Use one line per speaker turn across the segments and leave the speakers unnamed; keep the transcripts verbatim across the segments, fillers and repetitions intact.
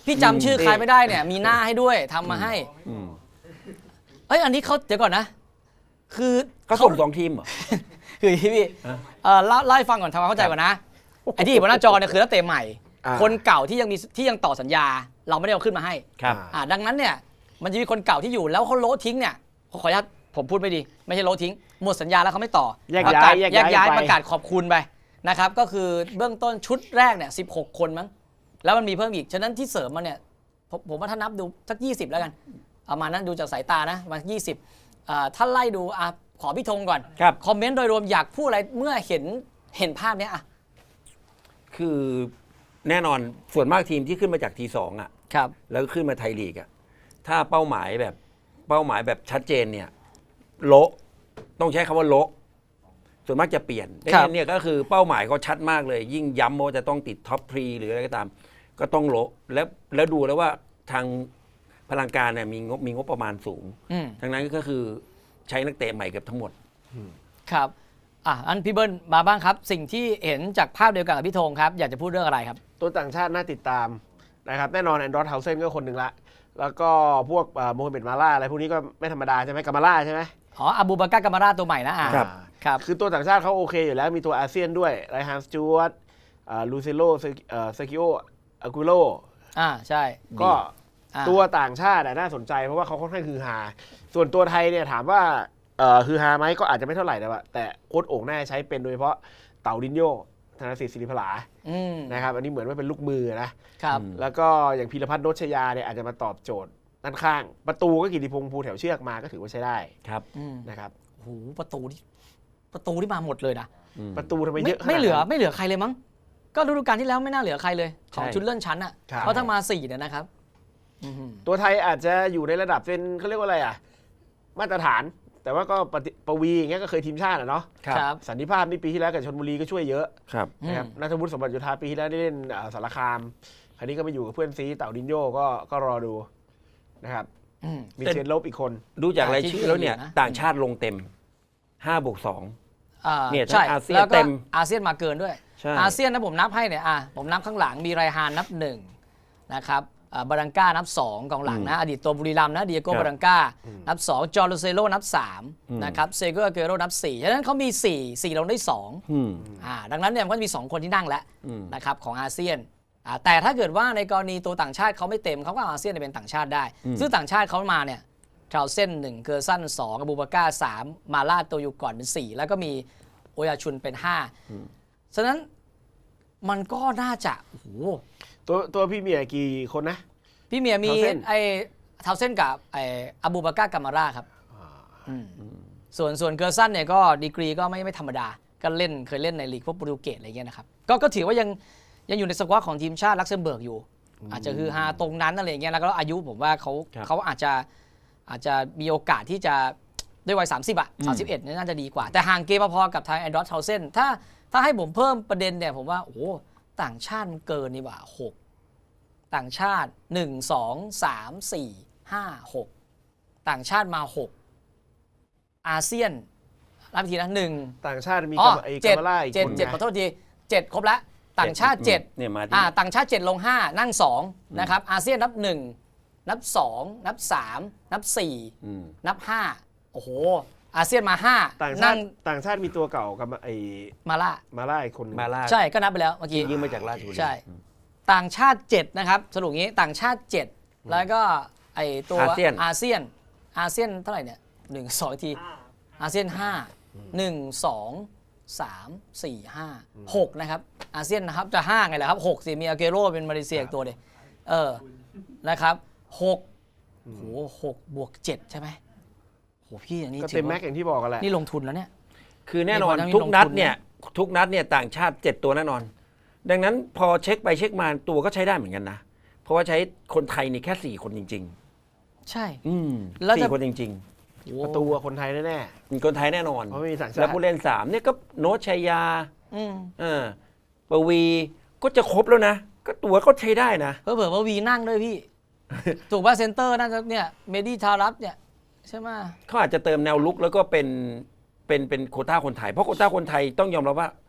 พี่จำชื่อใครไม่ได้เนี่ยมีหน้าให้ด้วยทำมาให้เอ้ยอันนี้เขาเดี๋ยวก่อนนะคือ
เขาส่งสองทีมเหรอ
คือพี่เอ่อเล่าให้ฟังก่อนทำความเข้าใจก่อนนะไอ้ที่บนหน้าจอเนี่ยคือนักเตะใหม่คนเก่าที่ยังมีที่ยังต่อสัญญาเราไม่ได้เอาขึ้นมาให้
ครับ
อ่าดังนั้นเนี่ยมันจะมีคนเก่าที่อยู่แล้วเขาโละทิ้งเนี่ยขออนุญาตผมพูดไม่ดีไม่ใช่โละทิ้งหมดสัญญาแล้วเขาไม่ต่อ
แยกย้าย
แยกย้ายประกาศขอบคุณไปนะครับก็คือเบื้องต้นชุดแรกเนี่ยสิบหกคนมั้งแล้วมันมีเพิ่มอีกฉะนั้นที่เสริมมาเนี่ยผมผมว่าถ้านับดูสักยี่สิบแล้วกันประมาณนั้นดูจากสายตานะประมาณยี่สิบอ่าถ้าไล่ดูอ่ะขอพี่ธงก่อนคอมเมนต์โดยรวมอยากพูดอะไรเมื่อเห็นเห็นภาพเนี้ยอ่ะ
คือแน่นอนส่วนมากทีมที่ขึ้นมาจากทีสองอ่ะ
ครับ
แล้วขึ้นมาไทยลีกอ่ะถ้าเป้าหมายแบบเป้าหมายแบบชัดเจนเนี่ยโละต้องใช้คำว่าโละส่วนมากจะเปลี่ยนดังนั้นเนี่ยก็คือเป้าหมายเขาชัดมากเลยยิ่งย้ำว่าจะต้องติดท็อปทรีหรืออะไรก็ตามก็ต้องโละแล้วแล้วดูแล้วว่าทางพลังการเนี่ยมีงบมีงบประมาณสูงทั้งนั้นก็คือใช้นักเตะใหม่เกือบทั้งหมด
ครับอ่ะอันพี่เบิ้ลมาบ้างครับสิ่งที่เห็นจากภาพเดียวกันกับพี่ธงครับอยากจะพูดเรื่องอะไรครับ
ตัวต่างชาติน่าติดตามนะครับแน่นอนแอนดรอสเฮาเซนก็คนหนึ่งละแล้วก็พวกโมฮัมเหม็ดมาล่าอะไรพวกนี้ก็ไม่ธรรมดาใช่ไหมกามาล่าใช่ไหม
อ๋ออาบูบาก้ากามาราตัวใหม่นะอ่า
ครับ
ครับ
คือตัวต่างชาติเขาโอเคอยู่แล้วมีตัวอาเซียนด้วยไรฮันสจูวัตลูเซโลเซกิโออากุโล
อ่าใช่
ก็ตัวต่างชาติน่าสนใจเพราะว่าเขาค่อนข้างฮือฮาส่วนตัวไทยเนี่ยถามว่าฮือฮาไหมก็อาจจะไม่เท่าไหร่แต่ว่าแต่โค้ชโอ่งน่าใช้เป็นโดยเฉพาะเต่าดินโยธนสิทธิ์ศิริพลานะครับอันนี้เหมือนว่าเป็นลูกมือนะครับแล้วก็อย่างพีรพัฒน์โนชยาเนี่ยอาจจะมาตอบโจทย์ด้านข้างประตูก็กิติพงษ์ภูแถวเชือกมาก็ถือว่าใช้ได้
ครับ
นะครับ
โอ้โหประตูที่ประตูที่มาหมดเลยนะ
ประตูทำไมเยอะ
ไม่เหลือไม่เหลือใครเลยมั้งก็ฤดูกาลที่แล้วไม่น่าเหลือใครเลยของชุดเลื่อนชั้นอ่ะเพราะถ้ามาสี่เนี่ยนะครับ
ตัวไทยอาจจะอยู่ในระดับเป็นเขาเรียกว่าอะไรอ่ะมาตรฐานแต่ว่าก็ปวีอย่างเงี้ยก็เคยทีมชาติอ่ะเนาะสันติภาพนี่ปีที่แล้วกับชลบุรีก็ช่วยเยอะนะครับนัทวุฒิสมบัติโยธาปีที่แล้วได้เล่นสารคามคราวนี้ก็ไปอยู่กับเพื่อนซีเต่าดินโยก็ก็รอดูนะครับมีเชนลบอีกคน
ดูจากรายชื่อแล้วเนี่ยต่างชาติลงเต็มห้าบวกสอง
เนี่ยทั้งอาเซียนเต็มอาเซียนมาเกินด้วยอาเซียนนะผมนับให้เนี่ยอ่ะผมนับข้างหลังมีไรฮานนับหนึ่งนะครับบารังก้านับสองกองหลังนะอดีตตัวบุรีรัมย์นะเดียโก้บารังก้านับสองจอร์โลเซโลนับสามนะครับเซโกอาเกโรนับสี่ฉะนั้นเขามีสี่ สี่ลงได้สองอ่าดังนั้นเนี่ยมันก็จะมีสองคนที่นั่งแล้วนะครับของอาเซียนแต่ถ้าเกิดว่าในกรณีตัวต่างชาติเขาไม่เต็มเขาก็อาเซียนเป็นต่างชาติได้ซึ่งต่างชาติเขามาเนี่ยทราวเส้นหนึ่งเกอร์ซันสองอบูบาก้าสามมาลาโตยูก่อนเป็นสี่แล้วก็มีโอยาชุนเป็นห้าฉะนั้นมันก็น่าจะโอ้โห
ตัวตัวพี่เมียกี่คนนะ
พี่เมียมีไอ้ทาวเส้นกับไอ้อบูบาก้ากามาราครับส่วนส่วนเกอร์ซันเนี่ยก็ดีกรีก็ไม่ไม่ธรรมดาก็เล่นเคยเล่นในลีกพวกโปรตุเกสอะไรเงี้ยนะครับก็ก็ถือว่ายังยังอยู่ในสควอตของทีมชาติลักเซมเบิร์กอยู่อาจจะคือฮาตรงนั้นอะไรเงี้ยแล้วก็อายุผมว่าเขาเขาอาจจะอาจจะมีโอกาสที่จะด้วยวัยสามสิบอ่ะสามสิบเอ็ดเนี่ยน่าจะดีกว่าแต่ห่างเกมพอๆกับทางแอนดรอสทาวเซนถ้าถ้าให้ผมเพิ่มประเด็นเนี่ยผมว่าโอ้ต่างชาติมันเกินนี่หว่าหกต่างชาติหนึ่ง สอง สาม สี่ ห้า หกต่างชาติมาหกอาเซียนรับทีนะหนึ่ง
ต่างชาติมี
กับ
ไอ้
กามาล่าอีกคนเจ็ดขอโทษทีเจ็ดครบแล้วต่างชาติเจ็ดอ่าต่างชาติเจ็ดลงห้านั่งสองนะครับอาเซียนนับหนึ่งนับสองนับสามนับสี่นับห้าโอ้โหอาเซียนมาห้า
ต่างชาติต่างชาติมีตัวเก่ากับไอ้
มาล่า
มาล่าอีกคน
มาล่า
ใช่ก็นับไปแล้วเมื่อกี้
ยืมมาจากราชบุรี
ใช่ต่างชาติเจ็ดนะครับสรุปงี้ต่างชาติเจ็ดแล้วก็ไอตัวอาเซียนอาเซียนอาเซียนเท่าไหร่เนี่ยหนึ่งสองทีอาเซียนห้าหนึ่งสองสามสี่ห้าหกนะครับอาเซียนนะครับจะห้าไงล่ะครับหกสิมีอาเกโร่เป็นมาเลเซียตัวเดียวเออนะครับหกโหหกบวกเจ็ดใช่ไหมโหพี่อันนี้
ก็เต็มแม็กอย่างที่บอกกันแหละ
นี่ลงทุนแล้วเนี่ย
คือแน่นอนทุกนัดเนี่ยทุกนัดเนี่ยต่างชาติเจ็ดตัวแน่นอนดังนั้นพอเช็คไปเช็คมาตัวก็ใช้ได้เหมือนกันนะเพราะว่าใช้คนไทยนี่แค่สี่คนจริง
ๆใช่
อืมสี่คนจริง
ๆประตูคนไทยแน่
ๆคนไทยแน่นอน
เพราะมีสัญชาติ
แล้วผู้เล่นสามเนี่ยก็โนชชัยยาอืมเออปวีก็จะครบแล้วนะก็ตัวก็ใช้ได้นะ
เผื่อๆปวีนั่งด้วยพี่ถูกป่ะเซนเตอร์น่าจะเนี่ยเมดี้ทารับเนี่ยใช่ไหม
เขาอาจจะเติมแนวลุกแล้วก็เป็นเป็นเป็นโควต้าคนไทยเพราะโควต้าคนไทยต้องยอมรับว่า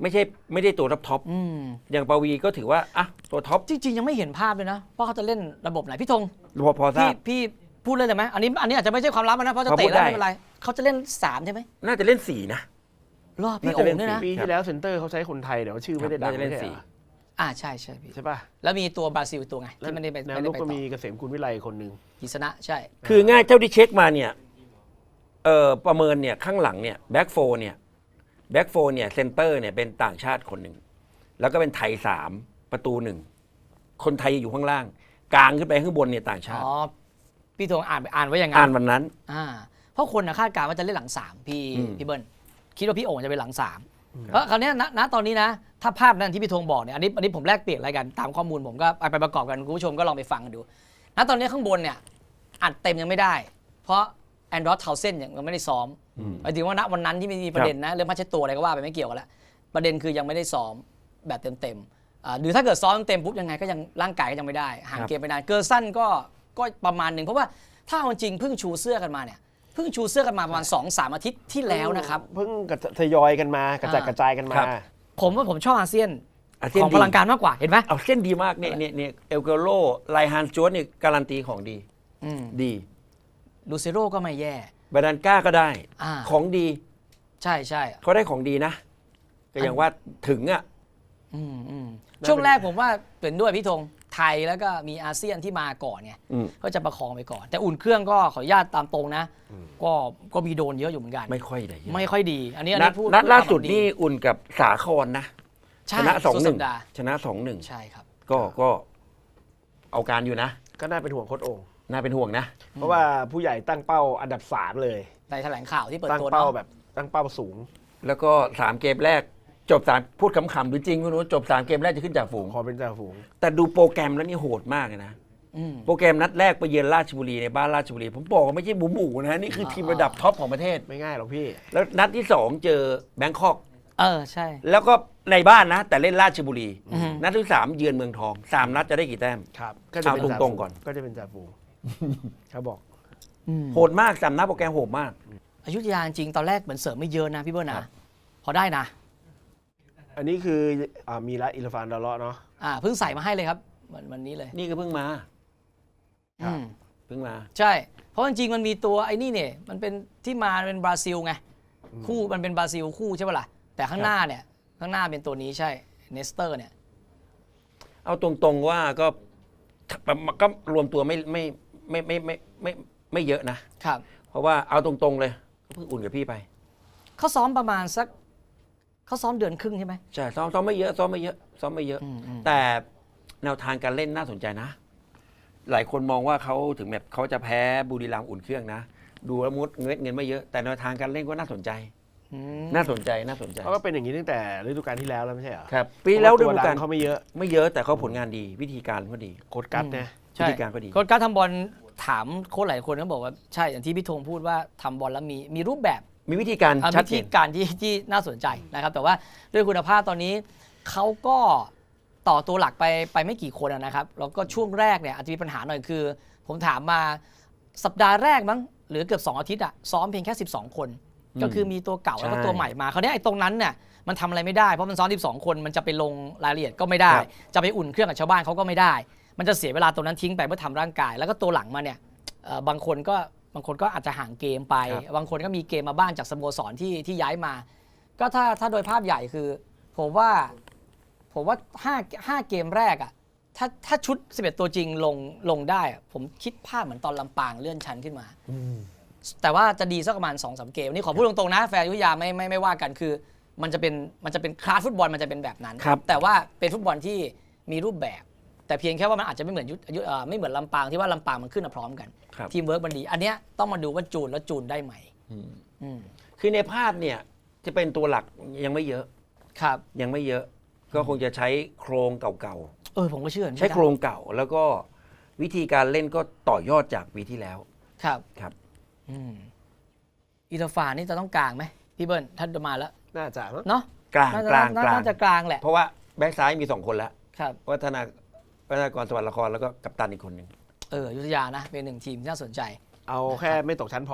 ไม่ใช่ไม่ได้ตัวท็อปท็อป
อืม
อย่างปวีก็ถือว่าอ่ะตัวท็อป
จริงๆยังไม่เห็นภาพเลยนะว่าเขาจะเล่นระบบไหนพี่ธง
พอพอทรา
พี่
บ
พี่พูดเลยได้ไหมอันนี้อันนี้อาจจะไม่ใช่ความลับนะเพราะจะ
พอพู
เตะ
ด
แล้ว
ได้
ไม่เป็นไรเขาจะเล่นสามใช่ไหม
น่าจะเล่นสี่นะ
รอพี่
น่า
โอ่
จะเล่
ง
น
ด้วยนะ
สี่
ปีที่แล้วเซนเตอร์เขาใช้คนไทยเดี๋ยวชื่อไม่ได้ดัง
น่าจะเล่น
ไม่ใช่
สี่
เหรอ
อ่าใช่ใช่พี่
ใช่ป่ะ
แล้วมีตัวบราซิลตัวไงที่ไม่ได้ไป
แนว
ไม่
รุ
ได้
ก
ไป
ก็
ต่
มี
อ
เกษมกุลวิไลคนหนึ่ง
กิษณะใช่
คือง่ายเท่าที่เช็คมาเนี่ยเอ่อประเมินเนี่ยข้างหลังเนี่ยแบ็กโฟเนี่ยแบ็กโฟเนี่ยเซนเตอร์เนี่ยเป็นต่างชาติคนหนึ่งแล้วก็เป็นไทยสามประตูหนึ่งคนไทยอยู่ข้างล่าง กลางขึ้นไปข้างบนเนี่ยต่างชา
อ๋
ติ
อพี่ธงอ่านอ่านไว้อย่างนั้
อ่าน
น
วันนั้น
อ่าเพราะคนนะคาดการณ์ว่าจะเล่นหลังสามพี่
อืม
พี่เบิ้ลคิดว่าพี่โอ่งจะเป็นหลังสามเพราะคราวเนี้ยณณตอนนี้นะ ถ้าภาพนั้นที่พี่ธงบอกเนี่ยอันนี้อันนี้ผมแลกเปลี่ยนอะไรกันตามข้อมูลผมก็ไปไปประกอบกันคุณผู้ชมก็ลองไปฟังกันดูณตอนนี้ข้างบนเนี่ยอัดเต็มยังไม่ได้ เพราะแอนดรอสเทาเซนยังไม่ได้ซ้อม
อืม
หมายถึงว่าณวันนั้นที่มีประเด็นนะเรื่องผ้าเช็ดตัวอะไรก็ว่าไปไม่เกี่ยวกันแล้วประเด็นคือยังไม่ได้ซ้อมแบบเต็มๆอ่าหรือถ้าเกิดซ้อมเต็มปุ๊บยังไงก็ยังร่างกายก็ยังไม่ได้ห่างเกมไปนานเกอร์สั้นก็ก็ประมาณหนึ่งเพราะว่าถ้าเอาจริงเพิ่งชูเสื้อกันมาเนี่ยเพิ่งชูเสื้อกันมาประมาณ สองถึงสาม อาทิตย์ที่แล้วนะครับ
เพิ่งกระทยอยกันมากระจัด
อ่า
กระจายกันมา
ครับ
ผมว่าผมชอบอาเซียน
อาเซียน
ของ
ดี
พลังการมากกว่าเห็นไหม
เอาเส้นดีมากเนี่ยเนี่ยเนี่ยเอลเกโรไลฮานจวดเนี่ยการันตีของดี
อืม
ดี
ลูเซโรก็ไม่แย่
บาดานก้าก็ได้
อ่า
ของดี
ใช่ใช่
เขาได้ของดีนะก็อย่างว่าถึงอ่ะ
อืมอืม
น่า
ช่วง
เป็น
แรกผมว่าเป็นด้วยพี่ธงไทยแล้วก็มีอาเซียนที่มาก่อนไง
อืม
ก็จะประคองไปก่อน แต่อุ่นเครื่องก็ขออนุญาตตามตรงนะ ก็ก็มีโดนเยอะอยู่เหมือนกัน
ไม่ค่อยได้
ไม่ค่อยดี อันนี้อัน
นัด
นี้พูด
นัด
พู
ล่าสุด
ตม
นี่อุ่นกับสาครนะ
ใช่
ชนะสองหนึ่ง
สัปดาห์
ชนะสองหนึ่ง
ใช่ครับ
ก็ก็เอาการอยู่นะ
ก็น่าเป็นห่วงโค้ชโอ่ง
น่าเป็นห่วงนะ
เพราะว่าผู้ใหญ่ตั้งเป้าอันดับสามเลย
ในแถลงข่าวที่เปิด
ตั้ง
ตัว
เป้า
เนาะ
แบบตั้งเป้าสูง
แล้วก็สามเกมแรก จบสามพูดขำๆหรือจริงไม่รู้จบสามเกมแรกจะขึ้นจากฝูง
พอเป็นจ่าฝูง
แต่ดูโปรแกรมแล้วนี่โหดมากเลยนะ
อืม
โปรแกรมนัดแรกไปเยือนราชบุรีในบ้านราชบุรี ผมบอกว่าไม่ใช่หมูหมูๆนะนี่คือทีมระดับท็อปของประเทศ
ไม่ง่ายหรอกพี่
แล้วนัดที่สองเจอแบงคอก
เออใช่
แล้วก็ในบ้านนะ แต่เล่นราชบุรี
อือฮึ
นัดที่สามเยือนเมืองทองสามนัดจะได้กี่แต้ม
ครับก็จะเป็น
เอา
จ่า
ตรง
ฝู
ๆก่อน
ก็จะเป็นจ่าฝูงเขาบอก
อืม
โหดมากสามนัดโปรแกรมโหดมาก
อยุธยาจริงๆตอนแรกเหมือนเสริมไม่เยอะนะพี่เบิร์
ครั
นะ
บ
พอได้นะ
อันนี้คืออ่ามีละอิลฟานดาเลาะเนาะ
อ่าเพิ่งใส่มาให้เลยครับวันวันนี้เลย
นี่ก็เพิ่งมา
ครับ
อืม
เพิ่งมา
ใช่ เพราะจริงๆมันมีตัวไอ้นี่เนี่ยมันเป็นที่มาเป็นบราซิลไงคู่มันเป็นบราซิลคู่ใช่ปะล่ะแต่ข้างหน้าเนี่ยข้างหน้าเป็นตัวนี้ใช่เนสเตอร์เนี่ย
เอาตรงๆว่าก็ก็รวมตัวไม่ไม่ไม่ไม่ไม่ไม่ไม่เยอะนะ
ครับ
เพราะว่าเอาตรงๆเลยก็เพิ่งอุ่นกับพี่ไป
เขาซ้อมประมาณสักเขาซ้อมเดือนครึ่งใช่ไหม
ใช่ซ้อมซ้อมไม่เยอะซ้อมไม่เยอะซ้อมไม่เยอะ
อืมอืม
แต่แนวทางการเล่นน่าสนใจนะ หลายคนมองว่าเขาถึงแบบเขาจะแพ้บุรีรัมย์อุ่นเครื่องนะ ดูแล้วมุดเงินเงินไม่เยอะแต่แนวทางการเล่นก็น่าสนใจ
อืม
น่าสนใจน่าสนใจ
เขาก็เป็นอย่างนี้ตั้งแต่ฤดูกาลที่แล้วแล้วไม่ใช่เหรอ
ครับปีแล้ว
เพ
ฤ
ราะา
ดู
ตัว
กาล
ดังเขาไม่เยอะ
ไม่เยอะแต่เขาผลงานดี วิธีการก็ดี
โค้ดกัสนะ
ใช่
วิธีการก็ดี
โค้ชการทำบอลถามโค้ชหลายคนก็บอกว่าใช่อย่างที่พี่ธงพูดว่าทำบอลแล้วมีมีรูปแบบ
มีวิธีการ
อ่ะ
ชัด
วิ
เจ
ธี
น
การที่ที่น่าสนใจนะครับ แต่ว่าด้วยคุณภาพตอนนี้เขาก็ต่อตัวหลักไปไปไม่กี่คนอะนะครับแล้วก็ช่วงแรกเนี่ยอาจจะมีปัญหาหน่อยคือ ผมถามมาสัปดาห์แรกมั้งหรือเกือบสองอาทิตย์อะซ้อมเพียงแค่สิบสองคน
อืม
ก็คือมีตัวเก่าแล้วก็
ใช่
ตัวใหม่มาเขาวเนี้ยไอ้ตรงนั้นเนี่ยมันทำอะไรไม่ได้เพราะมันซ้อมสิบสองคนมันจะไปลงรายละเอียดก็ไม่ได้
ครับ
จะไปอุ่นเครื่องกับชาวบ้านเขาก็ไม่ได้ มันจะเสียเวลาตรงนั้นทิ้งไปเพื่อทำร่างกาย แล้วก็ตัวหลังมาเนี่ยเอ่อบางคนก็บางคนก็อาจจะห่างเกมไป บางคนก็มีเกมมาบ้างจากสโมสรที่ที่ย้ายมา ก็ถ้าถ้าโดยภาพใหญ่คือ ผมว่าผมว่าห้าห้าเกมแรกอะถ้าถ้าชุดสิบเอ็ดตัวจริงลงลงได้อะผมคิดภาพเหมือนตอนลำปางเลื่อนชั้นขึ้นมา แต่ว่าจะดีสักประมาณ สองสาม เกมนี่ขอพูดตรงๆนะแฟนอยุธยาไม่ไม่ไม่ว่ากันคือ มันจะเป็นมันจะเป็นคลาสฟุตบอลมันจะเป็นแบบนั้น
ครับ
แต่ว่าเป็นฟุตบอลที่มีรูปแบบ แต่เพียงแค่ว่ามันอาจจะไม่เหมือนยุทธยุทธเอ่อไม่เหมือนลำปางที่ว่าลำปางมันขึ้นมาพร้อมกัน
ครับ
ทีมเวิร์กมันดี อันเนี้ยต้องมาดูว่าจูนแล้วจูนได้ไหม
อืม
อืม
คือในภาพเนี่ยจะเป็นตัวหลักยังไม่เยอะ
ครับ
ยังไม่เยอะ ก็คงจะใช้โครงเก่า
เออผมก็เชื่อ
ๆ ใช้โครงเก่า แล้วก็วิธีการเล่นก็ต่อยอดจากปีที่แล้ว
ครับ
ครับ
อืมอีราฟานนี่จะต้องกลางไหมพี่เบิ้ลท่านจะมาแล้ว
น่าจะมั้ง
เนาะ
กลาง
น่าจะ
กลาง
น่าก
ลาง
น่าจะกลางแหละ
เพราะว่าแบ็กซ้ายมีสองคนแล้ว
ครับ
วัฒนาวัฒนากรสวัสดิ์ละครแล้วก็กัปตันอีกคนหนึ่ง
เอออยุธยานะเป็นหนึ่งทีมที่น่าสนใจ
เอาแค่ไม่ตกชั้นพอ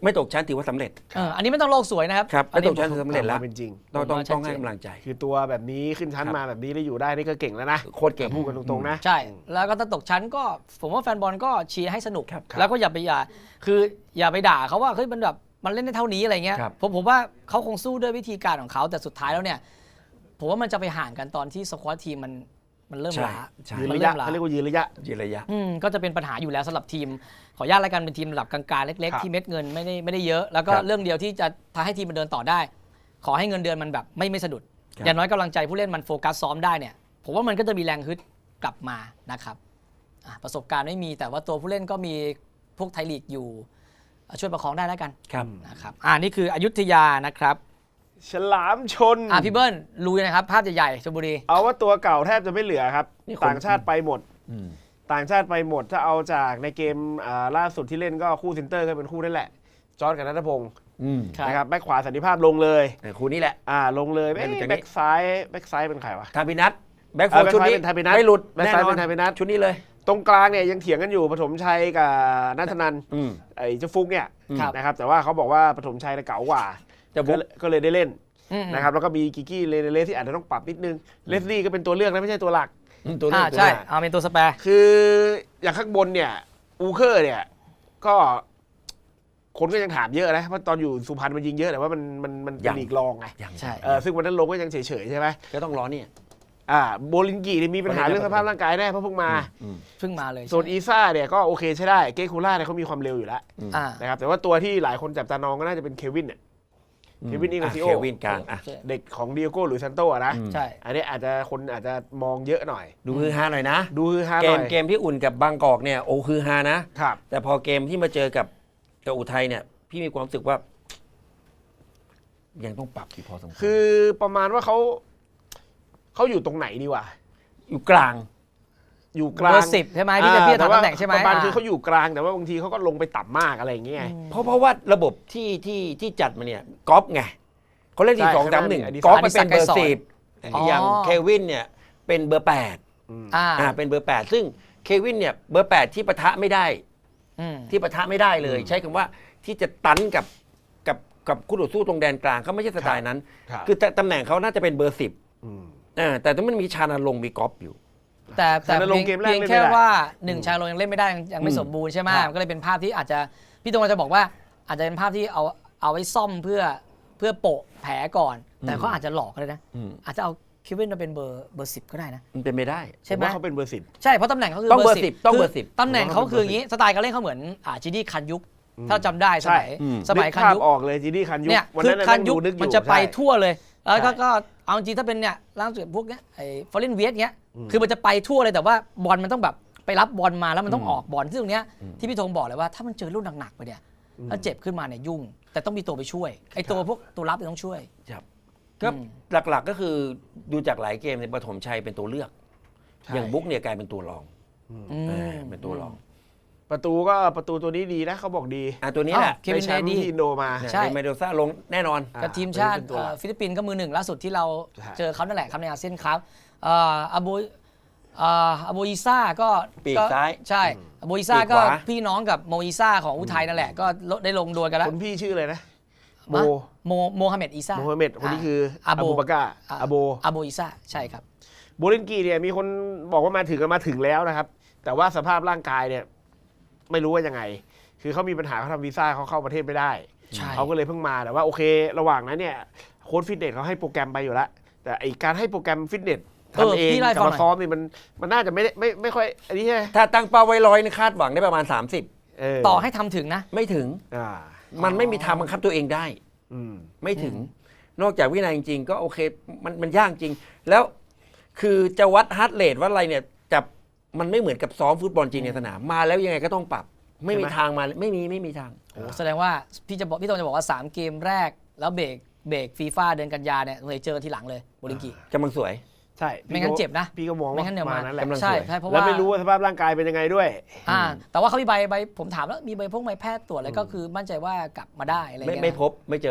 ไม่ตกชั้นถือว่าสำเร็จ
เอออันนี้ไม่ต้องโลกสวยนะครับ
ครับ
อัน
ไม่
นี้
ตกชั้นถือสำเร็จแล้ว
เป็นจริง
ต้องต้อง
ผมว่าชัด
ต้องให้
เจน
กำลังใจ
คือตัวแบบนี้ขึ้นชั้น
ครับ
มาแบบนี้แล้วอยู่ได้นี่ก็เก่งแล้วนะ
โคตรเก่ง
พูดกันตรงๆนะ
ใช่ แล้วก็ถ้าตกชั้นก็ผมว่าแฟนบอลก็เชียร์ให้สนุก
ครับ
แล้วก็อย่าไปอย่าคืออย่าไปด่าเขาว่าเฮ้ยมันแบบมันเล่นได้เท่านี้อะไรเงี้ย
ครับ
ผมผมว่าเขาคงสู้ด้วยวิธีการของเขาแต่สุดท้ายแล้วเนี่ยผมว่ามันจะไปห่างกันตอนที่สควอตทีมมันมันเริ่ม
ใช่
ล้า
ใช่
ยืน
มัน
ระ
เริ่
ยะ
มล้า
เขาเรียกว่ายืนระยะ
ยืนระยะ
อืมก็จะเป็นปัญหาอยู่แล้วสำหรับทีมขออนุญาตแล้วกันเป็นทีมระดับกลางๆเล็ก
ครับ
ๆที่เม็ดเงินไม่ได้ไม่ได้เยอะ แล้วก็
ครับ
เรื่องเดียวที่จะพาให้ทีมมันเดินต่อได้ ขอให้เงินเดือนมันแบบไม่ไม่สะดุด
ครับ
อย่างน้อยกำลังใจผู้เล่นมันโฟกัสซ้อมได้เนี่ยผมว่ามันก็จะมีแรงฮึดกลับมานะครับอ่ะประสบการณ์ไม่มีแต่ว่าตัวผู้เล่นก็มีพวกไทยลีกอยู่อ่ะช่วยประคองได้แล้วกัน
ครับ
นะครับอ่านี่คืออยุธยานะครับ
ฉลามชน
อ่าพี่เบิ้ลรู้นะครับภาพใหญ่ๆชลบุรี
เอาว่าตัวเก่าแทบจะไม่เหลือครับ
นี่คน
ต่างชาติไปหมด
อืม
ต่างชาติไปหมดถ้าเอาจากในเกมอ่าล่าสุดที่เล่นก็คู่เซนเตอร์ก็เป็นคู่นั่นแหละ จอร์จกับนัทพงศ์
อืม
ครับ
นะครับแบ็คขวาสันติภาพลงเลย
แต่คู่นี้แหละ
อ่าลงเลย
ไม่รู้จะ
แบ็คซ้ายแบ็คซ้ายเป็นใครวะ
ทาพินัทแบ็คโฟ
เออ
ชุดนี้
แบ็คซ้ายเป็นทาพินัท
ไม่หลุด
แบ็ค
แน่
ซ้าย
นอ
เป็น นทาพินัท
ชุดนี้เลย
ตรงกลางเนี่ยยังเถียงกันอยู่ปฐมชัยกับนัทนันท์
อืม
ไอ้เจ้าฟุกเนี่ย
ครับ
นะครับแต่ว่าเขาบอกว่าปฐมชัยเนี่ยเก๋ากว่า
เจ้าบุ๊
ก็
ก
เลยก็เลยได้เล่น
อืม
นะครับแล้วก็มีกิกกี้เลเนเลสที่อาจจะต้องปรับนิดนึงเลสลี่ก็เป็นตัวเลือกนะไม่ใช่ตัวหลัก
อืมตัวนี้
อ่า
ตัว
ใช่
นี้
เอาเป็นตัวสแปร์
คืออย่างข้างบนเนี่ยอูเคอร์เนี่ยก็คนก็ยังถามเยอะนะเพราะตอนอยู่สุพรรณมันยิงเยอะแต่ว่ามันมันมันเป็นลีกรองไง
ยัง
ใช่
เออซึ่งวันนั้นลงก็ยังเฉยๆใช่ไหม
ก็ต้องรอเนี่ย
อ่าโบลินกีเนี่ยมีปัญหาเรื่องสภาพร่างกายแน่เพราะเพิ่งมา
อืม
เพิ่งมาเลย
ส่วนอีซ่าเนี่ยก็โอเคใช้ได้เกคูล่าเนี่ยเขามีความเร็วอยู่แล้ว
อ่า
นะครับแต่ว่าตัวที่หลายคนจับตามองก็น่าจะเป็นเควินเนี่ย เควินอิง
อ่ะ
ซิโอ
เควินกลางอ่ะ
เด็กของดิโอโก้หรือซันโตอะนะ
อืม
ใช่
อันนี้อาจจะคนอาจจะมองเยอะหน่อย
ดูฮือฮาหน่อยนะ
ดูฮือฮาห
เก
น่
ม
อย
เกมที่อุ่นกับบางกอกเนี่ยโอ้คือฮานะ
ครับ
แต่พอเกมที่มาเจอกับกับอุทัยเนี่ย พี่มีความรู้สึกว่า ยังต้องปรับอยู่พอสมควร
คือประมาณว่าเขาเขาอยู่ตรงไหนดีวะ
อยู่กลาง
อยู่ก
เบ
ลา
อง ร์สิบใช่ไหมที่จะพี่จะ
แต่
ทำ
ว่า
ตำแหน่งใช่ไหม
ประมาณ
อ่า
คือเขาอยู่กลางแต่ว่าบางทีเขาก็ลงไปต่ำมากอะไรอย่างเงี้ย
เพราะเพราะว่าระบบที่ที่ที่จัดมาเนี่ยกอล์ฟไงเขาเล่น
ใช่
สี่สองสามหนึ่ง
ข้างหน้ามี
กอล์ฟไปเป็น
อ
เบ
ดิ
อ
ศักดิ์
ร์สิบ
อ๋อ
อย่างเควินเนี่ยเป็นเบอร์แปด
อ่า
อ่าเป็นเบอร์แปดซึ่งเควินเนี่ยเบอร์แปดที่ปะทะไม่ได้
อืม
ที่ปะทะไม่ได้เลย ใช้คำว่าที่จะตันกับกับกับคู่ต่อสู้ตรงแดนกลางเขาไม่ใช่สไตล์นั้น
ครับ
คือแต่ตำแหน่งเขาน่าจะเป็นเบอร์สิบ
อืม
อ่าแต่ถ้ามันมีชานาลงค์มีกอล์ฟอยู่
แต่แต่
แต่ลง
เพียง
เกมแรก
เพียง
เล่นไม่
แค่
ได้
ว่าหนึ่งชายโรงยังเล่นไม่ได้ยังยังไม่
อืม
สมบูรณ์ใช่ไหม
ครับ
มันก็เลยเป็นภาพที่อาจจะพี่ตรงจะบอกว่าอาจจะเป็นภาพที่เอาเอาไว้ซ่อมเพื่อเพื่อโปะแผลก่อน แต่เขาอาจจะหลอกก็ได้นะ
อืม
อาจจะเอาเควินมาเป็นเบอร์เบอร์สิบก็ได้นะ
มันเป็นไม่ได้
ใช่ไหม
ผมว่าเขาเป็นเบอร์สิบ
ใช่เพราะตำแหน่งเขาคือ
ต้อง
เบอร์
เบอร์
สิบ
สิบต้อง
คื
เบอร์สิบ
ตำแหน่งเขาคืออย่างนี้สไตล์การเล่นเขาเหมือนอ่าจีดี้คันยุคถ้าเราจำได้สมัย
อืม
สมัย
นึก
คัน
ภาพ
ยุค
ออกเลยจีดี้คันยุ
เนี่ย
วัน
คือ
นั้น
คันยุค
งดูกอ
มันจะไป
ใช่
ทั่วเลย แล้วก็
ใช่
ก็เอาจริงๆถ้าเป็นเนี่ยล่าสุดพวกเนี้ยไอ้ฟอร์เรนเวียสเนี้ยคือมันจะไปทั่วเลยแต่ว่าบอลมันต้องแบบไปรับบอลมาแล้วมันต้องออกบอลซึ่งตรงเนี้ยที่พี่ธงบอกเลยว่าถ้ามันเจอลูกหนักๆไปเนี่ยแล้วเจ็บขึ้นมาเนี่ยยุ่ง แต่ต้องมีตัวไปช่วยไอ้ตัวพวกตัวรับเนี่ยต้องช่วย
ครับก็
อืม
หลักๆก็คือดูจากหลายเกมในยปฐมชัยเป็นตัวเลือก
ใช่
อย่างบุ๊กเนี่ยกลายเป็นตัวรอง
อื
เออ
ม
เป็นตัวรอง
ประตูก็ประตูตัวนี้ดีนะเขาบอกดี
อ่ะตัวนี้แหละ
เควิน
ได้แชมป์
เดดี้
ที่อินโดมา
เนี่ย
ใช่
เป็นเมโดซ่าลงแน่นอน
อ่า
กับทีมชาติ
เป็นตัวหลัก
เอ่อฟิลิปปินส์ก็มือหนึ่งล่าสุดที่เรา
ใช่
เจอเขานั่นแหละครับในอาเซียนครับเอ่ออาบูเอ่ออาบูอิซ่าก็
ปีก
ก็
ซ้าย
ใช่อาบูอิซ่า
ปีก
ก็
ขวา
พี่น้องกับโมอิซ่าของอุทัยนั่นแหละก็ได้ลงดวลกันแล้ว
คนพี่ชื่ออะไรนะโม
โมโมฮัมเหม็ดอิซ่า
โมฮัมเหม็ดคนนี้คือ
อา
อา
โบ
บูบาก้า
อ่า
อาโบ
อาโบอิซ่าใช่ครับ
โบลินกีเนี่ยมีคนบอกว่ามาถึงกันมาถึงแล้วนะครับ แต่ว่าสภาพร่างกายเนี่ยไม่รู้ว่ายังไง คือเขามีปัญหาเขาทำวีซ่าเขาเข้าประเทศไม่ได้
ใช่
เขาก็เลยเพิ่งมาแต่ว่าโอเค ระหว่างนั้นเนี่ยโค้ชฟิตเนสเขาให้โปรแกรมไปอยู่แล้วแต่ไอการให้โปรแกรมฟิตเนสทำเอง
พี่ไล่
กับ
ฟังห
มา
น่อย
ซ้อมนี่มันมันน่าจะไม่ได้ไม่ไม่ค่อยอันนี้ใช่ไหม
ถ้าตั้งเป้าไว้ร้อยนี่คาดหวังได้ประมาณ สามสิบ
เออ
ต่อให้ทำถึงนะ
ไม่ถึง
อ่า
มันไม่มีทางบังคับตัวเองได้
อืม
ไม่ถึง นอกจากวินัยจริงๆ ก็โอเค มันมันยากจริง แล้วคือจะวัดฮาร์ดเรทวัดอะไรเนี่ยจะมันไม่เหมือนกับซ้อมฟุตบอลจริงในสนาม มาแล้วยังไงก็ต้องปรับ ไม่มีทางมาไม่มีไม่มีทาง
โอ้แสดงว่าพี่จะบอกพี่ตงจะบอกว่าสามเกมแรกแล้วเบรกเบรกฟีฟ่าเดือนกันยาเนี่ยเลยเจอทีหลังเลยโบลิงกี
กำลังสวย
ใช่
ไม่งั้นเจ็บนะ
พี่ก็มอง
ไม่
ว่า
งั้นเดี๋ยว
มา
มา
นั่นแหละ
กำลัง
ใช่
สวย
ใช่เพราะ
แล้ว
ว่า
ไม่รู้ว่าสภาพร่างกายเป็นยังไงด้วย
อ่าแต่ว่าเขามีใบใบผมถามแล้วมีใบพวกใบแพทย์ตรวจอะไรก็คือมั่นใจว่ากลับมาได้อะไร
ไม่
เงี้ย
ไม่
นะ
พบไม่เจอ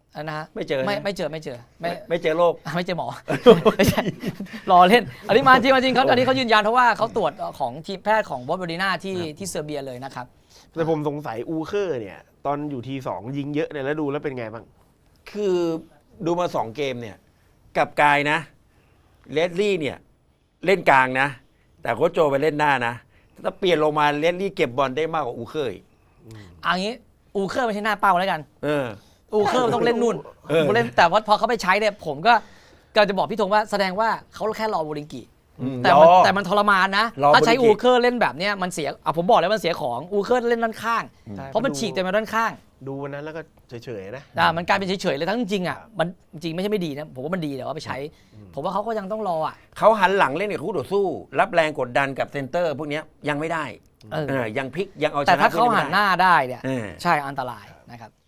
อันนะฮะ
ไม่เจอ
ไม่
นะ
ไม่เจอไม่เจอไม่
ไม่เจอโรค
ไม่เจอหมอ ไม่ใช่รอเล่น อันนี้มาจริงมาจริงเขาอันนี้เขายืนยันเพราะว่าเขาตรวจของทีมแพทย์ของบอสเบอร์ดิน่าที่ที่เซอร์เบียเลยนะครับ
แต่ผมสงสัยอูเคอร์เนี่ย ตอนอยู่ทีสองยิงเยอะเนี่ยแล้วดูแล้วเป็นไงบ้าง
คือดูมาสองเกมเนี่ยกับกายนะเลสลี่เนี่ยเล่นกลางนะ แต่โค้ชโจไปเล่นหน้านะถ้าเปลี่ยนลงมาเลสลี่เก็บบอลได้มากกว่าอูเคย
อันนี้อูเคอร์ไม่ใช่หน้าเป้าแล้วกัน
เออ
อูเคอร์มันต้องเล่นนู่น
เออ
เล่นแต่ว่าพอเขาไปใช้เนี่ยผมก็กำลังจะบอกพี่ธงว่าแสดงว่าเขาแค่รอบูริงกิ
อืม
แต่มัน
รอ
แต่มันทรมานนะ
รอ
ถ้าใช้
บูริงกิ
อูเคอร์เล่นแบบเนี้ยมันเสียอ่ะผมบอกแล้วมันเสียของอูเคอร์เล่นด้านข้าง
ใช่
เพราะมันฉีกแต่มาด้านข้าง
ดูวันนั้นแล้วก็เฉยๆนะ
อ่ามันกลายเป็นเฉยๆเลยทั้งจริงๆอ่ะมันจริงไม่ใช่ไม่ดีนะผมว่ามันดีแต่ว่าไปใช้ ผมว่าเขาก็ยังต้องรออ่ะ
เขาหันหลังเล่นกับคู่ต่อสู้ รับแรงกดดันกับเซนเตอร์พวกเนี้ยยังไม่ได้
เออ
เออยังพลิกยังเอาช
แต่
นะ
ถ้าเขา
พวก
หันหน้าได้เนี่ย
เออ
ใช่อันตรายนะครับ